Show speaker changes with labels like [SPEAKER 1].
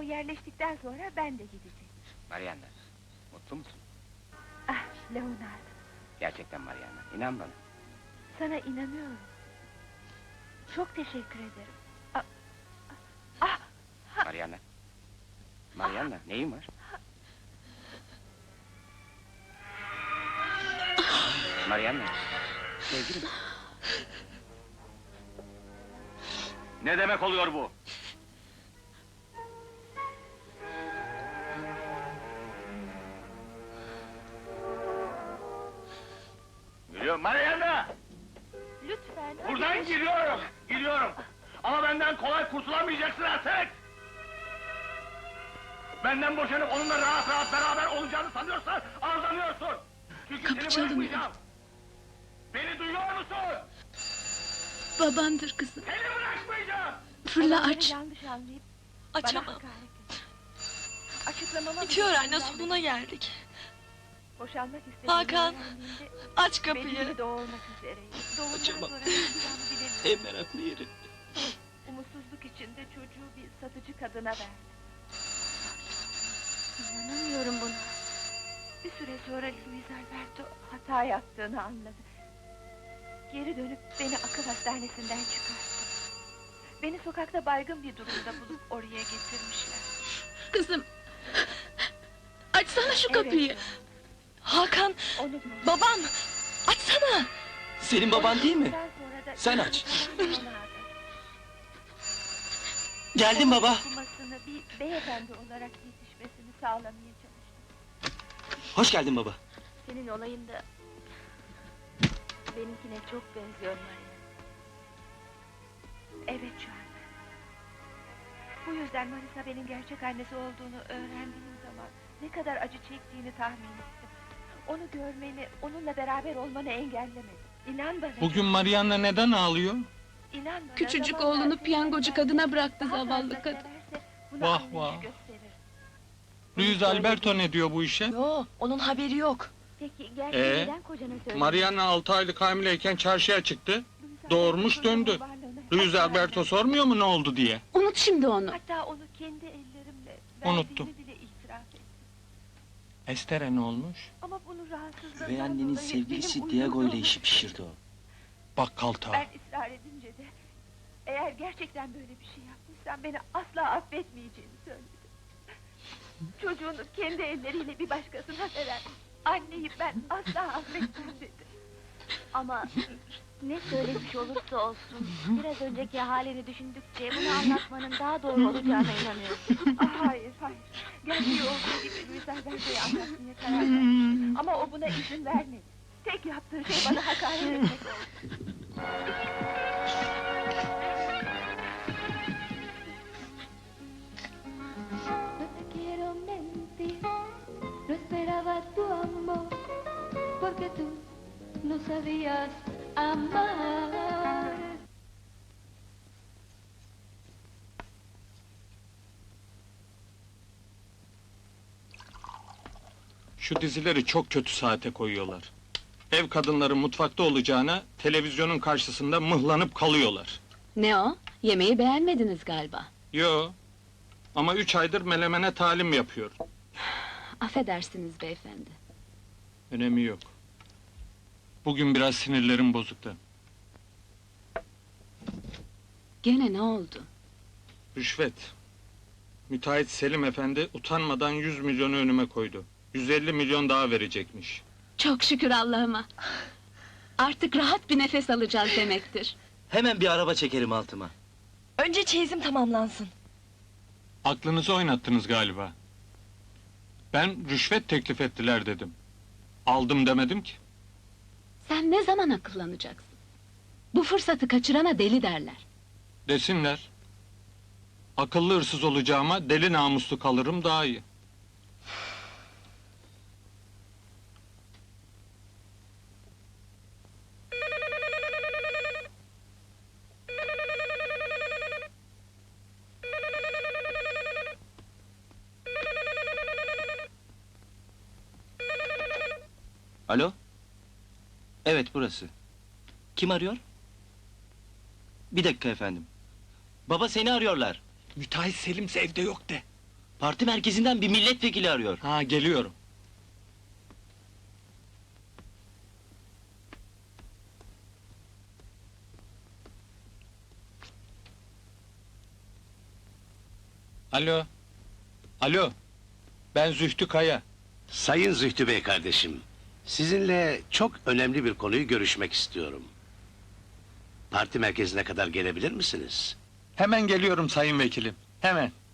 [SPEAKER 1] yerleştikten sonra ben de gideceğim.
[SPEAKER 2] Mariana, mutlu musun?
[SPEAKER 1] Ah, Leonardo,
[SPEAKER 2] Gerçekten Mariana, inan bana.
[SPEAKER 1] sana inanıyorum. Çok teşekkür ederim. Ah, ah, ah,
[SPEAKER 2] Mariana. Mariana, neyin var? Mariana, sevgilim.
[SPEAKER 3] Ne demek oluyor bu? Geliyorum Mariana!
[SPEAKER 1] lütfen.
[SPEAKER 3] Buradan
[SPEAKER 1] hadi.
[SPEAKER 3] gidiyorum. Ama benden kolay kurtulamayacaksın artık! Benden boşanıp onunla rahat rahat beraber olacağını sanıyorsan aldanıyorsun! Çünkü
[SPEAKER 4] Kapı
[SPEAKER 3] seni
[SPEAKER 4] çalınıyor.
[SPEAKER 3] bırakmayacağım! Beni duyuyor musun?
[SPEAKER 4] Babandır kızım.
[SPEAKER 3] Seni bırakmayacağım!
[SPEAKER 4] Fırla
[SPEAKER 1] Olanları
[SPEAKER 4] aç.
[SPEAKER 1] yanlış anlayıp bana
[SPEAKER 4] Açamam.
[SPEAKER 1] hakaret et. Açıklamama
[SPEAKER 4] Bitiyor
[SPEAKER 1] bile
[SPEAKER 4] anne,
[SPEAKER 1] izin vermedin.
[SPEAKER 4] sonuna geldik.
[SPEAKER 1] Boşanmak istediğini
[SPEAKER 4] Hakan,
[SPEAKER 1] öğrendiğimde
[SPEAKER 4] Aç
[SPEAKER 1] benim
[SPEAKER 4] kapıyı.
[SPEAKER 1] de doğurmak üzereyim. Doğumdan
[SPEAKER 4] Açamam.
[SPEAKER 1] sonra ne yapacağımı bilemiyorum.
[SPEAKER 4] En meraklı yeri.
[SPEAKER 1] Umutsuzluk içinde çocuğu bir satıcı kadına verdim. İnanamıyorum buna. Bir süre sonra Luis Alberto hata yaptığını anladı. Geri dönüp beni akıl hastanesinden çıkarttı. Beni sokakta baygın bir durumda bulup oraya getirmişler.
[SPEAKER 4] Kızım. Açsana şu kapıyı.
[SPEAKER 1] Evet,
[SPEAKER 4] Hakan,
[SPEAKER 1] onu gördüm.
[SPEAKER 4] babam. Açsana.
[SPEAKER 5] Senin baban değil mi?
[SPEAKER 1] Ondan sonra da
[SPEAKER 5] Sen aç.
[SPEAKER 1] Leonardo.
[SPEAKER 5] Geldim baba.
[SPEAKER 1] Okumasını bir beyefendi olarak yetişmesini sağlamaya çalıştım.
[SPEAKER 5] Hoş geldin baba.
[SPEAKER 1] Senin olayın da benimkine çok benziyor Maria. Evet şu anda. Bu yüzden Marisa benim gerçek annesi olduğunu öğrendiğim zaman ne kadar acı çektiğini tahmin ettim. Onu görmeni, onunla beraber olmanı engellemedim. İnan bana.
[SPEAKER 6] Bugün Mariana neden ağlıyor?
[SPEAKER 1] İnan bana,
[SPEAKER 4] Küçücük
[SPEAKER 1] zamanla
[SPEAKER 4] oğlunu
[SPEAKER 1] seni
[SPEAKER 4] piyangocu
[SPEAKER 1] sever,
[SPEAKER 4] kadına bıraktı
[SPEAKER 1] daha
[SPEAKER 4] zavallı
[SPEAKER 1] fazla
[SPEAKER 4] kadın.
[SPEAKER 1] severse buna
[SPEAKER 6] Vah,
[SPEAKER 1] anlayış
[SPEAKER 6] vah.
[SPEAKER 1] gösterir.
[SPEAKER 6] Luis Alberto ne diyor bu işe?
[SPEAKER 4] Yo, onun haberi yok.
[SPEAKER 1] Peki gerçeği
[SPEAKER 6] Ee,
[SPEAKER 1] neden kocana söyledin?
[SPEAKER 6] Mariana 6 aylık hamileyken çarşıya çıktı.
[SPEAKER 1] Luis
[SPEAKER 6] doğurmuş
[SPEAKER 1] Alberto'nun
[SPEAKER 6] döndü.
[SPEAKER 1] varlığını hep
[SPEAKER 6] Luis Alberto
[SPEAKER 1] öğrendim.
[SPEAKER 6] sormuyor mu ne oldu diye?
[SPEAKER 4] Unut şimdi onu.
[SPEAKER 1] Hatta onu kendi ellerimle
[SPEAKER 6] Unuttum.
[SPEAKER 1] verdiğimi bile itiraf ettim.
[SPEAKER 6] Estere ne olmuş?
[SPEAKER 1] Ama bunu rahatsızlığından
[SPEAKER 5] Üvey annenin
[SPEAKER 1] dolayı
[SPEAKER 5] sevgilisi
[SPEAKER 1] benim
[SPEAKER 5] Diego ile
[SPEAKER 1] umurumda
[SPEAKER 5] işi
[SPEAKER 1] olmadı.
[SPEAKER 5] pişirdi o.
[SPEAKER 6] Bakkal ta.
[SPEAKER 1] Ben ısrar edince de eğer gerçekten böyle bir şey yapmışsan beni asla affetmeyeceğini söyledi. Çocuğunu kendi elleriyle bir başkasına veren anneyi ben asla affetmem dedi.
[SPEAKER 7] Ama ne söylemiş olursa olsun, biraz önceki halini düşündükçe bunu anlatmanın daha doğru olacağına inanıyorum.
[SPEAKER 1] Ah, hayır, hayır. Gerçeği olduğu gibi Luis Alberto'ya anlatmaya karar vermiştim. Ama o buna izin vermedi. Tek yaptığı şey bana hakaret etmek oldu.
[SPEAKER 7] No te quiero mentir, no esperaba tu amor, porque tú no sabías amar.
[SPEAKER 6] Şu dizileri çok kötü saate koyuyorlar. Ev kadınları mutfakta olacağına televizyonun karşısında mıhlanıp kalıyorlar.
[SPEAKER 4] Ne o? Yemeği beğenmediniz galiba.
[SPEAKER 6] Yo. Ama 3 aydır melemene talim yapıyor.
[SPEAKER 4] Affedersiniz beyefendi.
[SPEAKER 6] Önemi yok. Bugün biraz sinirlerim bozuktu.
[SPEAKER 4] Gene ne oldu?
[SPEAKER 6] Rüşvet. Müteahhit Selim Efendi utanmadan 100 milyonu önüme koydu. 150 milyon daha verecekmiş.
[SPEAKER 4] Çok şükür Allah'ıma. Artık rahat bir nefes alacağız demektir.
[SPEAKER 5] Hemen bir araba çekerim altıma.
[SPEAKER 8] Önce çeyizim tamamlansın.
[SPEAKER 6] Aklınızı oynattınız galiba. Ben rüşvet teklif ettiler dedim. Aldım demedim ki.
[SPEAKER 4] Sen ne zaman akıllanacaksın? Bu fırsatı kaçırana deli derler.
[SPEAKER 6] Desinler. Akıllı hırsız olacağıma deli namuslu kalırım daha iyi.
[SPEAKER 5] Alo? Evet, burası. Kim arıyor? Bir dakika efendim. Baba, seni arıyorlar.
[SPEAKER 6] Müteahhit Selim evde yok de.
[SPEAKER 5] Parti merkezinden bir milletvekili arıyor.
[SPEAKER 6] Ha, geliyorum. Alo. Alo. Ben Zühtü Kaya.
[SPEAKER 9] Sayın Zühtü Bey kardeşim, sizinle çok önemli bir konuyu görüşmek istiyorum. Parti merkezine kadar gelebilir misiniz?
[SPEAKER 6] Hemen geliyorum sayın vekilim. Hemen.